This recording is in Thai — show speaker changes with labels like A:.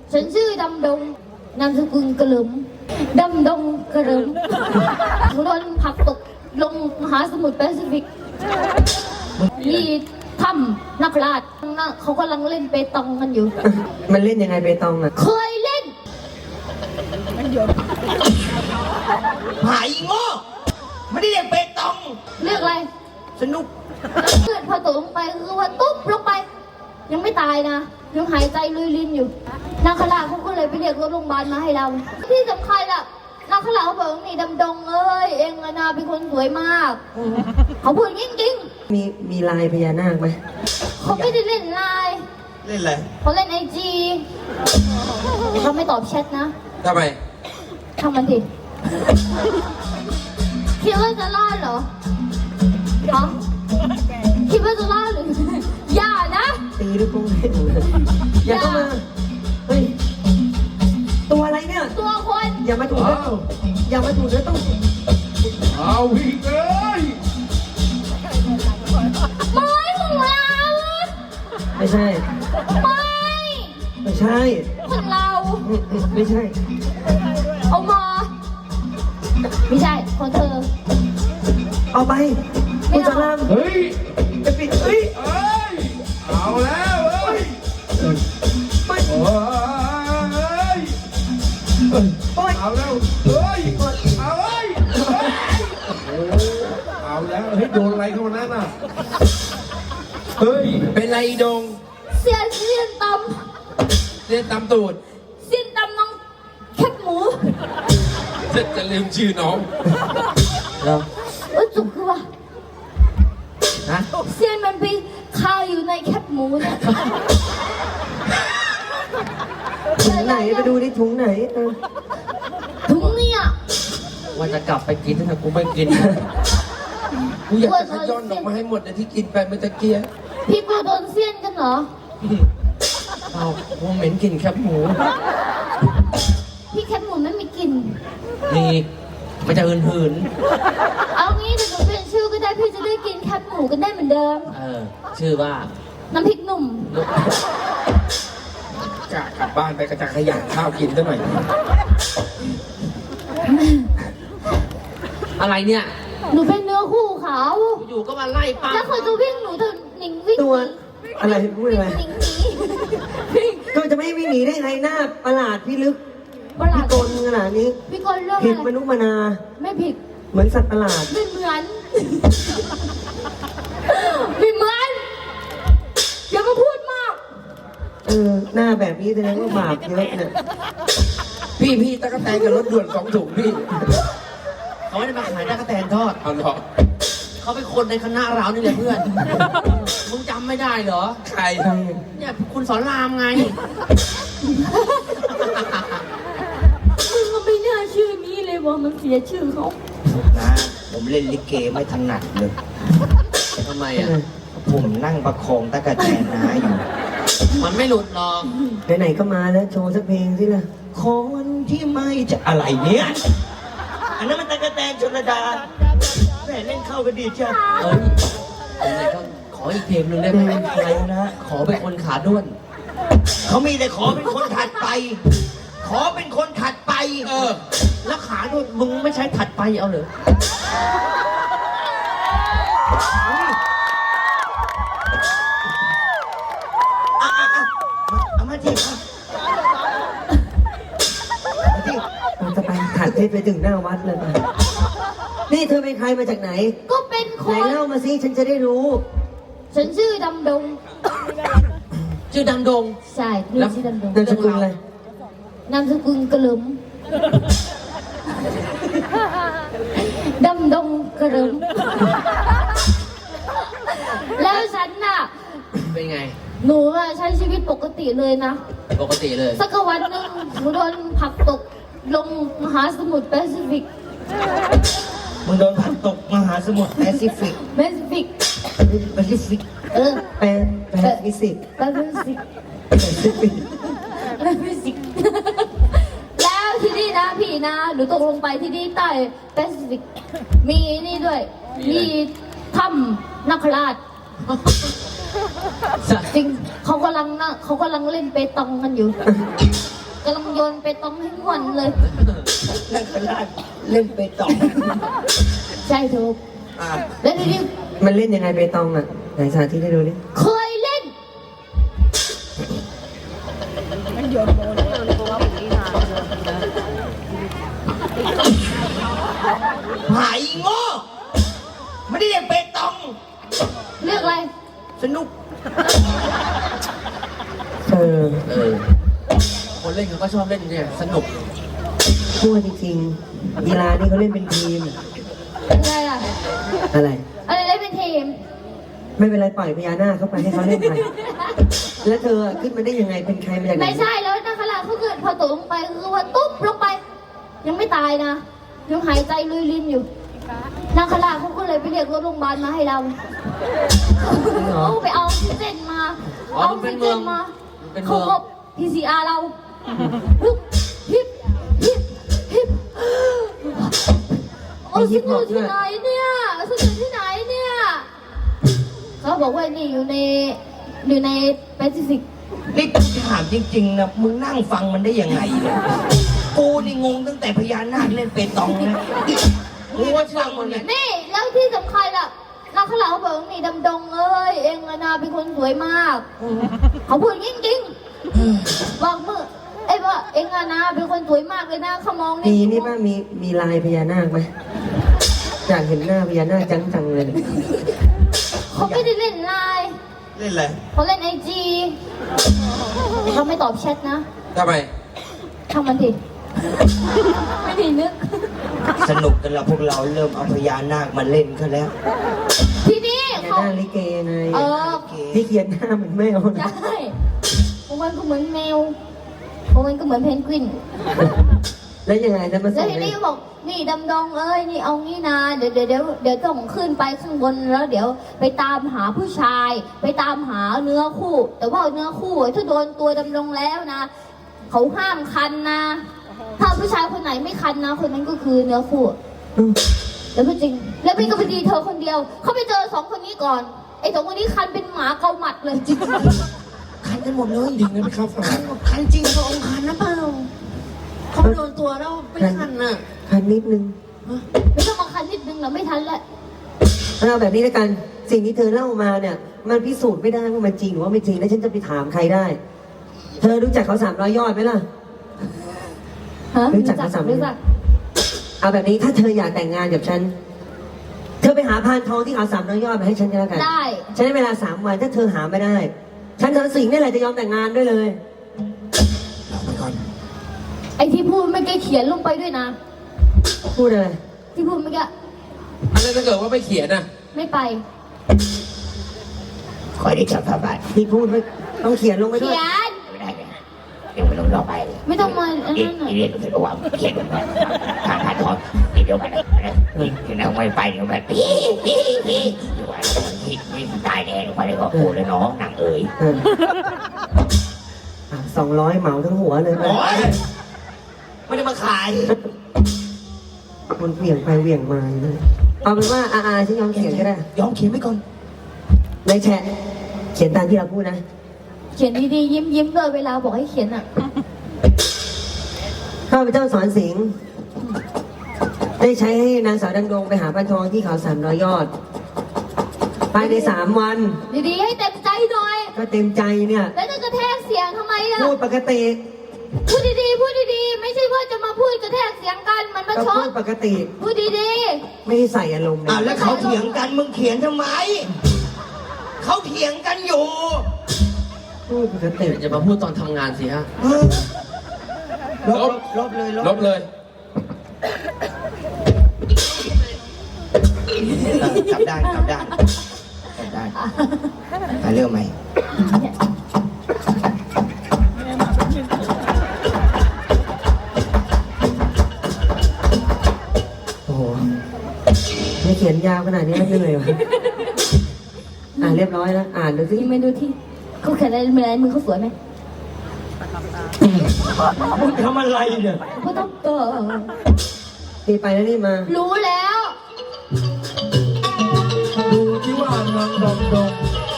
A: ฉันชื่อดำดงนามสกุลกระหลมดำดงกระหลมหนูโดนผลักตกลงมหาสมุทรแปซิฟิกที่ถ้ำนักราชเขากำลังเล่นเปตองกันอยู่
B: มันเล่นยังไงเปตองอ่ะ
A: เคยเล่น
C: หายโง่ไม่ได้เรียกเปตอง
A: เรียกอะไร
C: สนุก
A: เกิดพอตกลงไปคือว่าตุ๊บลงไป ยังไม่ตายนะยังหายใจลุยลินอยู่นาคราชเขาก็เลยไปเรียกรถโรงพยาบาลมาให้เราที่สำคัญอะนาคราชเขาบอกนี่ดำดงเอ้ยเองอะนาเป็นคนสวยมากเขาพูดจริง
B: มีลายพญานาคไหม
A: ๆเขาไม่ได้เล่นไลน์
C: เล่นอะไร
A: เขาเล่นIGเขาไม่ตอบแชทนะ
C: ทำไม
A: ทำมันดิคิดว่าจะรอดเหรอฮะคิดว่าจะรอดหรืออย่านะ
B: ตีด้วยกรงเล่นอย่าเข้ามาเฮ้ยตัวอะไรเนี่ย
A: ตัวคน
B: อย่ามาถูกนะอย่ามาถูกนะต้อง
D: เอาอีกเลย
A: ไม้ของเรา
B: ไม่ใช่
A: ไม่
B: ไม่ใช่
A: ของเรา
B: ไม่ใช่
A: เอามาไม่ใช่ของเธอ
B: เอาไปคุณสาราม
D: เฮ้ย
B: จะปิดเฮ้ย
D: เอ้ย เอาแล้วเอ้ย
B: ไม่
D: โอ้ย
B: โอ๊ย
D: เอาแล้วเฮ้ย เอาเอ้ยเอาแล้วเฮ้ยโดนอะไรเข้ามานั่นน่ะ เฮ้ย
C: เป็นไรอีดง
A: เสียนต
C: เล่นตามตูด
A: ำเสียนตำน้องแคบหมู
C: จะลืมชื่อน้อง
B: แล้ว
A: จุกคือว่า
C: ฮะ
A: เสียนมันไปคาอยู่ในแคบหมูเนี่ย
B: ถุงไหนไปดูดิถุงไหน
A: ถุงเนี่ย
C: ว่าจะกลับไปกินแต่กูไม่กิน กูอยากจะขย้อนออกมาให้หมดเลยที่กินไปเมื่อตะเกียบ
A: พี่ปูโดนเสียนกันเหรอ
C: เอากูเหม็นกลิ่นแคบหมู
A: พี่แคบหมูไม่มีกลิ่น
C: นี่มันจะหืน
A: เอางี้เดี๋ยวหนูเปลี่ยนชื่อก็ได้พี่จะได้กินแคบหมูกันได้เหมือนเดิม
C: ชื่อว่า
A: น้ำพริกหนุ่ม
C: กะกลับบ้านไปกระจายขยะข้าวกินซะหน่อย อะไรเนี่ย
A: หนูเป็นเนื้อคู่เขา
C: อยู่ก็มาไล่ป้า
A: แล้วเขาจะวิ่งหนูเธอหนิงวิ่ง
B: ตัวอะไรพูดอะไร
A: หนิงหนี
B: ก็จะไม่วิ่งหนีได้ไงหน้าประหลาดพี่ลึก
A: ประหลา
B: พี่
A: ด
B: กลขนาดนี้
A: พี่กลเรื่อง
B: ผิด
A: อะ
B: ม
A: ไร
B: นุษย์มนา
A: ไม่ผิด
B: เหมือนสัตว์ประหลาด
A: ไม่เหมือนไม่เหมือนอย่ามาพูดมาก
B: หน้าแบบนี้แสดงว่าบาปเยอะเนี่ย
C: พี่ตะกะแตนกับรถด่วน2 ถุงพี่ เขาไม่ได้มาขายตะกะแตนทอด เอาหรอ เขาเป็นคนในคณะเรานี่แหละเพื่อน มึงจำไม่ได้เหรอ ใคร เนี่ยคุณสอนรามไง
A: มึงก็ไม่น่าชื่อนี้เลยว่ามันเสียชื่อเขา
E: นะผมเล่นลิเกไม่ถนัดเลย
C: ทำไมอ่ะ
E: ผมนั่งประคองตะกะแตนน้าอยู่
C: มันไม่หลุดหรอก
B: ไหนๆก็มาแล้วโชว์สักเพลงสิล่ะ
E: คนที่ไม่จะอะไรเนี่ย อันนั้นมันตะกะแตนชลดาแม่เล่นเข้ากันดีจ้ะ
C: เอ้ยไหนๆก็ขออีกเพลงหนึ่งได้ไหม
E: อะไรนะ
C: ขอเป็นคนขาด้วน
E: เขามีแต่ขอเป็นคนถัดไป ขอเป็นคนถัดไป
C: แล้วขาด้วนมึงไม่ใช้ถัดไปเอาเหรอ
E: เอามาที่ครับ
B: เราจะไปถัดเพชรไปถึงหน้าวัดเลยนะนี่เธอเป็นใครมาจากไหน
A: ก็เป็นค
B: ไหน
A: น
B: เล่ามาสิฉันจะได้รู้
A: ฉันชื่อดำดง
C: ชื่อดำดง
A: ใช่หนูชื่อดำดง
B: นามสกุลอะไร
A: นามสกุลกระหลมดำดงกระหลมแล้วฉันน่ะ
C: เป็นไง
A: หนูอะใช้ชีวิตปกติเลยนะ
C: ปกติเลย
A: สักวันหนึ่งหนูโดนผลักตกลงมหาสมุทรแปซิฟิก
E: มึงโดนผลักตกมหาสมุทรแปซิฟิก
A: แปซิฟิก
E: แปซิฟิก
A: เออ
B: แปดมิสิก
A: แปซิฟิก
B: แปซิฟิก
A: แปซิฟิกแล้วที่นี่นะพี่นะหนูตกลงไปที่นี่ใต้แปซิฟิกมีนี่ด้วย มีถ้ำนักราชจริงเขากำลังเล่นเปตองกันอยู่ำลังโยนไปต้องให้งอนเลย
E: นักขลาดเล่นไปต่อ
A: ใช่ถูก
E: อ่ะ
A: แล้วทีนี้
B: มันเล่นยังไงเปตองอ่ะไหนสาธิตให้ดูดิ
A: เคยเล่น
E: หายโง่ไม่ได้เล่นเปตอง
A: เรียกอะไร
E: สนุก
B: เออ
C: คนเล่นเขาก็ชอบเล่นเนี่ยสนุก
B: พูดจริงๆกีฬานี่เขาเล่นเป็นทีม
A: อะไรอ่ะ
B: อะไร
A: อะไรเล่นเป็นทีม
B: ไม่เป็นไรปล่อยพญานาคเข้าไปให้เขาเล่นไปแล้วเธอขึ้นมาได้ยังไงเป็นใครมาจากไหน
A: ไม่ใช่แล้วนาคราเขาเกิดพอตกลงไปคือว่าตุ๊บลงไป ยังไม่ตายนะยังหายใจลุยลินอยู่นาคราเขาก็เลยไปเรียกรถโรงพยาบาลมาให้เราเอาไปเอาออกซิเจนมา
C: อ๋อ
A: เอาอ
C: มั
A: อน ก
C: เป็
A: ซิ
C: น
A: เจ
C: เมือง
A: นมา
C: มันเป็นเมื
A: เขา
C: อง
A: ก็ PCR เราฮึบฮิบฮิบฮิบโอ้ฉันอยู่ที่ไหนเนี่ยฉันอยู่ที่ไหนเนี่ยเขาบอกว่านี่อยู่ในแปซิฟิก
E: นี่กูถามจริงๆนะมึงนั่งฟังมันได้ยังไงเนี่ยกูนี่งงตั้งแต่พญานาคเล่นเปตองนะกูว่าฟังมันเนี่ย
A: นี่แล้วที่สำคัญอ่ะนาคาเขาบอกนี่ดำดงเอ้ยเองอะนาเป็นคนสวยมากเขาพูดจริงๆบอกมือไอ้ว่าเองอะนาเป็นคนสวยมากเลยนะเขามอง
B: มีนี่ป่ะมีลายพญานาคไหมอยากเห็นหน้าพญานาคจังๆเลย
A: เขาไม่ได้เล่นไลน์
E: เล่นอะไร
A: เขาเล่นIGเขาไม่ตอบแชทนะ
C: ทำไม
A: ทำมันดิไม่ดีนึก
E: สนุกกันแล้วพวกเราเริ่มเอาพญานาคมาเล่นกันแล้ว
A: ทีนี้
B: พญา
A: เขา
B: นาคลิเกไง
A: เออ
B: ที่เขียนหน้าเหมือนแมวนะ
A: ใช่บางวันก็เหมือนแมวบางวันก็เหมือนเพนกวิน
B: แล้วยังไงจะมา
A: แล้
B: ส่
A: ว
B: ง
A: ที
B: เล
A: นี้
B: ย
A: ก็บอกนี่ดำดงเอ้ยนี่เอางี้นะเดี๋ยวต้องขึ้นไปข้างบนแล้วเดี๋ยวไปตามหาผู้ชาย ไปตามหาเนื้อคู่ แต่ว่าเนื้อคู่ถ้าโดนตัวดำดงแล้วนะเขาห้ามคันนะ ถ้าผู้ชายคนไหนไม่คันนะคนนั้นก็คือเนื้อคู่
B: อืม
A: แล้วก็จริง แล้วพี่ก็ไปดีเธอคนเดียว เขาไปเจอสองคนนี้ก่อนไอ้สองคนนี้คันเป็นหมาเกาหมัดเลยจริง
E: คันกันหมดเลย
D: จริงนะพี่ครับฟัง
E: คันจริงพระองค์คันนะเปล่า
C: เขาโดนตัวแล้วไม่ทันน่ะ
B: คันนิดนึง
A: ไม่ต้องมาคันนิดนึงนะไม่ทันแล้ว
B: เอาแบบนี้แล้วกัน สิ่งที่เธอเล่ามาเนี่ย มันพิสูจน์ไม่ได้ว่ามันจริงหรือว่าไม่จริง แล้วฉันจะไปถามใครได้ เธอรู้จักเขา300 ยอดไหมล่ะ
A: ฮะ
B: รู้จักภาษา
A: รู้จัก
B: เอาแบบนี้ถ้าเธออยากแต่งงานกับฉัน เธอไปหาพานทองที่เขา300 ยอดมาให้ฉันก็แล้วกัน
A: ได้
B: ฉันให้เวลา3 วันถ้าเธอหาไม่ได้ ฉันเธอสิ่งนี่แหละจะยอมแต่งงานด้วยเลย
E: เอาไปก่อน
A: ไอ้ที่พูดไม่ได้เขียนลงไปด้วยนะ
B: พูดอะไร
A: ที่พูดเมื่อกี้
C: อันนั้นถ้าเกิดว่าไม่เขียนน่ะ
A: ไม่ไป
E: คอยได้จับพระบาท
B: ที่พูดไม่ต้องเขียนลงไปด้
A: เขี
B: วย
A: ยน
E: ไม่ได้เลยเดี๋ยวไปลงรอบไปเลย
A: ไม่ต้องมาอัน
E: อี
A: นั้นน่ะ
E: เรียนรู้สึกว่าเขียนแบบทางทอนเดี๋ยวไปนะที่นั่งไม่ไปเดี๋ยวแบบพี่เดี๋ยวไปที่ตายแน่ลงไปเลยก็โอ้เลยน้องนางเอ๋ย
B: 200 เหมาทั้งหัวเลยไหม
E: โอ้ยไม่ได้มาขาย
B: มันเหวี่ยงไปเหวี่ยงมาอยู่นั่นเอาเป็นว่าอาฉันยอมเขียนก็ได้
E: ยอมเขียนไว้ก่อน
B: ในแชทเขียนตามที่เราพูดนะ
A: เขียนดีๆยิ้มๆด้วยเวลาบอกให้เขียนอ่ะ
B: ข้าพเจ้าสอนสิงห์ได้ใช้ให้นางสาวดังดงไปหาพันทองที่เขา300 ยอด ภายใน3 วัน
A: ดีๆให้เต็มใจหน่อย
B: ก็เต็มใจเนี่ย
A: แล้วจะกระแทกเสียงทำไมล่ะ
B: พูดปกติ
A: พูดดีๆพูดดีๆไม่ใช่ว่าจะมาพูดกระแทกเสียงกันมันมา
B: ก็
A: ช็อ
B: พู
A: ต
B: ดปกติ
A: พูดดี
B: ไม่ได้ใส่อารมณ์
E: อ่าแล้วเขาเถียงกันมึงเขียนทำไมเขาเถียงกันอยู่
B: พูดปกติ
C: อย่ามาพูดตอนทำงานสิฮะ
E: ลบเลย
C: ลบเลย
E: กลับได้กลับได้กลับได้มาเรื่องไหม
B: โอ้โหไม่เขียนยาวขนาดนี้ไม่เลยวะเรียบร้อยแล้ว อ่านดู
A: ๆ
B: สิ
A: ยิ้มไปดูที่เขาเขียนอะไรมือเขาสวยไหม
E: มึงทำอะไรเนี่ย
A: ก็ต้อง
B: ตีไปแล้วนี่มา
A: รู้แล้ว
D: ดูที่ว่านางดำดง